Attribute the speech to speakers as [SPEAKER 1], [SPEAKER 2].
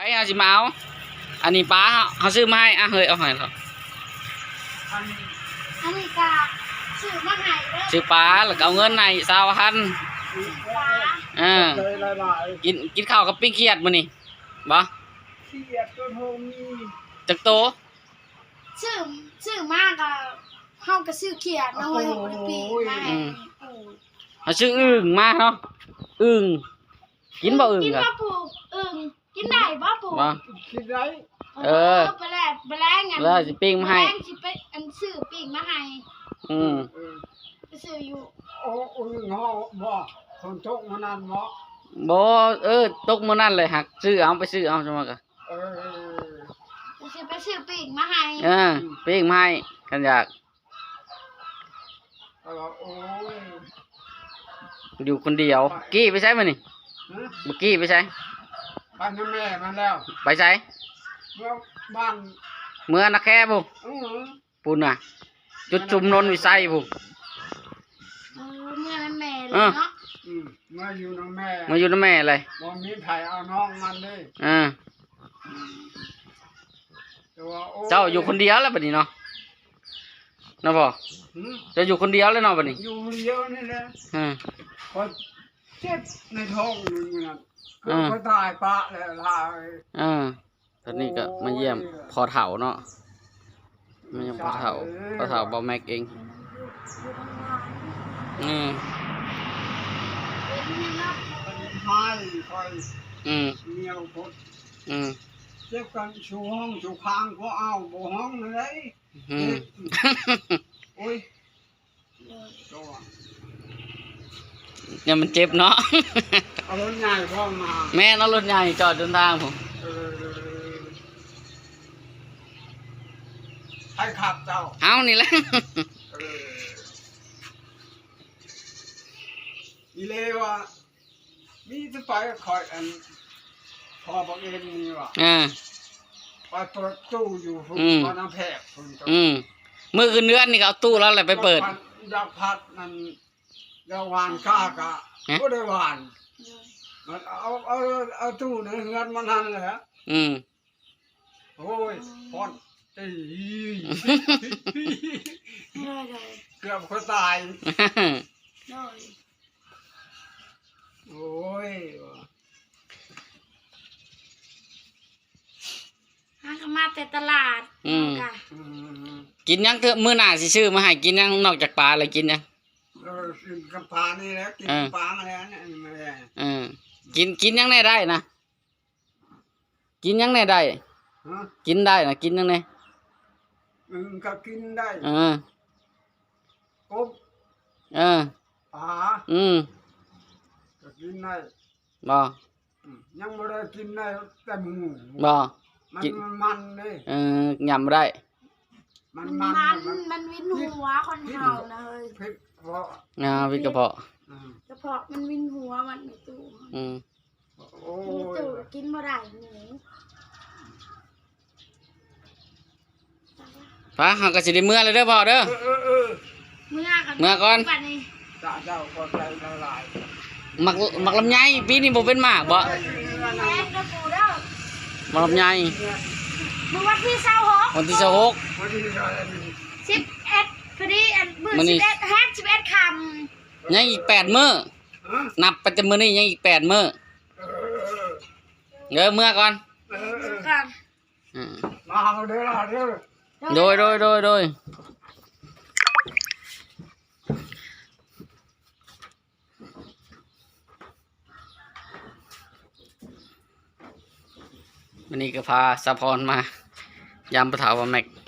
[SPEAKER 1] เอาสิมาเอาอันนี้ป้าเขาซื้อมาให้เฮ้ยเอาให้เขา
[SPEAKER 2] อันนี้ก็ซื้อมาให้เด้อ
[SPEAKER 1] ซื้อป้าแล้วก็เอาเงินใน20,000กินข้าวกับปิ้งเขียดมื้อนี้บ่
[SPEAKER 3] เขียดตัวโทมี
[SPEAKER 1] จักโต
[SPEAKER 2] ซื้อมากก็เฮาก็ซื้อเขียดน้อยเฮาบ่ได้ปีมาให้
[SPEAKER 1] เขาซื้ออึ่งมาเนาะอึ่งกินบ่อึ่ง
[SPEAKER 2] กินบ่ปูอึ่งกินได้บ่ปู
[SPEAKER 1] บ่
[SPEAKER 3] กินได้
[SPEAKER 2] ไปแล้วงั้น
[SPEAKER 1] แล้วสิปิ้งมาให้
[SPEAKER 2] สิไปอันซื้อปิ้งมาให้ไปซื้ออยู่
[SPEAKER 3] อึ่งเฮาบ่คนตกมานานบ่
[SPEAKER 1] ตกมื้อนั้นเลยหักซื้อเอาไปซื้อเอาจังว่าก็
[SPEAKER 2] ไปซื้อปิ้งมาให้
[SPEAKER 1] ปิ้งมาให้กันอยาก
[SPEAKER 3] โอ้ย
[SPEAKER 1] อยู่คนเดียวกี้ไปใช้มื้อนี่บ่กี้ไปใช้
[SPEAKER 3] บ้านแม่มันแล้ว
[SPEAKER 1] ไปใช้
[SPEAKER 3] บ้าน
[SPEAKER 1] เมื่อนักแค่บุปุ่นน่ะจุดชุมนนวิสัยบุ
[SPEAKER 2] เมื่อนั้นแม่เลยเนาะ
[SPEAKER 3] มาอยู่น้องแม่
[SPEAKER 1] เลย
[SPEAKER 3] บ่มีไผเอาน้องมันเลย
[SPEAKER 1] เจ้าอยู่คนเดียวแล้วบัดนี้เนาะนะพ่อจะอยู่คนเดียวแล้วเนาะบัดนี้
[SPEAKER 3] อยู่คนเดียวนี่แหละพอเจ็บในท้องนึงนั่นก็ตายปะแล้วลาย
[SPEAKER 1] ตอนนี้ก็มาเยี่ยมพอเฒ่าเนาะมาเยี่ยมพอเฒ่าเบาแม็กเอง
[SPEAKER 3] ให้คอยเมียพดเจ็บกันชูห้องชูคางก็เอาบ่ห้องเลยโอ้ย
[SPEAKER 1] เนี่ยมันเจ็บเนาะ
[SPEAKER 3] เอารถใหญ่พ่อมา
[SPEAKER 1] แม่เอารถใหญ่จอดเดินทางผม
[SPEAKER 3] ให้ขับเจ้า
[SPEAKER 1] เอานี่แหละ
[SPEAKER 3] อีเลวะมีจะไปคอยอันพอบอกเองนี่วะไปเปิดตู้อยู่ตอนน้ำแพก
[SPEAKER 1] มือคืนเนื้อนี่ก็เอาตู้แล้วแหละไปเปิด
[SPEAKER 3] อยากพัดนั่นเดี๋ยววานก้ากะก็ได้วานมันเอาตู้ในเฮือนมันนั่นเลยฮะโอ้ยพอนเกือบคนตายโอ้ย
[SPEAKER 2] ก็มาแต่ตลาด
[SPEAKER 1] กินยังเถอะมื้อหน้าสิซื้อมาให้กินยังนอกจากปลาอะไรกินยัง
[SPEAKER 3] กินกับปลานี่แหละกินปลาแล้ว
[SPEAKER 1] เนี่ยกินยังได้นะกินยังได้กินได้นะกินยังไง
[SPEAKER 3] ก็กินได้กบปลาก็กินได้
[SPEAKER 1] บ่
[SPEAKER 3] ยังไม่ได้กินได้แต่หมู
[SPEAKER 1] บ่
[SPEAKER 3] มันเลย
[SPEAKER 1] ยำได้
[SPEAKER 2] มันวินหัวคนเห่านะเฮ้ย
[SPEAKER 3] พิษกระเพาะ
[SPEAKER 1] พิษกระเพาะ
[SPEAKER 2] มันวินหัวมันในตู้ในตู้กินบ่ได้หมู
[SPEAKER 1] ป้าหากระสิได้เมื่อเลยเด้อพ่อเด้อเมื่อก่อน
[SPEAKER 3] เจ้าก็ใจละลาย
[SPEAKER 1] หมักลำไยปีนี้บ่เป็นหมากบ่หมักลำไย
[SPEAKER 2] วันที่26
[SPEAKER 1] วันที่26
[SPEAKER 2] 11พอดีมื้อ11คำ
[SPEAKER 1] ยังอีก8มื้อนับไปจนมื้อนี้ยังอีก8มื้อเมื่อก่อน
[SPEAKER 3] มาเอาเด้อ
[SPEAKER 1] โดยวันนี้ก็พาสะพรมายามปะเถาว่าแม็ก